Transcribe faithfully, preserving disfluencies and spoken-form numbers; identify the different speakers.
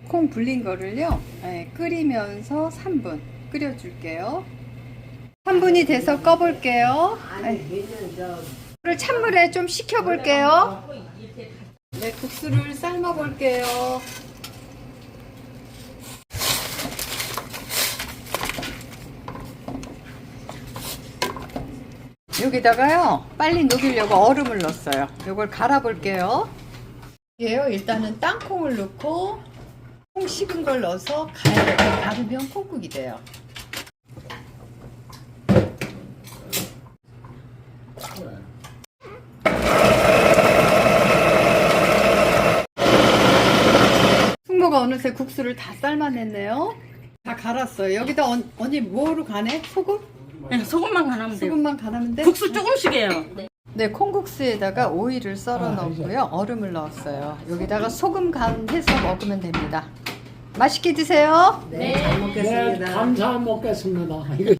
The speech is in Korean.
Speaker 1: 콩 불린 거를요, 네, 끓이면서 삼 분 끓여줄게요. 삼 분이 돼서 꺼볼게요. 네. 를 찬물에 좀 식혀볼게요. 네, 국수를 삶아볼게요. 여기다가요, 빨리 녹이려고 얼음을 넣었어요. 이걸 갈아볼게요. 이게요, 일단은 땅콩을 넣고 콩 식은 걸 넣어서 갈, 갈으면 콩국이 돼요. 숙모가 어느새 국수를 다 삶아냈네요. 다 갈았어요. 여기다 언, 언니 뭐로 가네? 소금?
Speaker 2: 네, 소금만 간하면 돼요.
Speaker 1: 소금만 갈으면 돼?
Speaker 2: 국수 조금씩이에요.
Speaker 1: 네, 콩국수에다가 오이를 썰어 넣었고요. 얼음을 넣었어요. 여기다가 소금 간 해서 먹으면 됩니다. 맛있게 드세요.
Speaker 3: 네, 잘 먹겠습니다.
Speaker 4: 네, 감사 먹겠습니다. 이거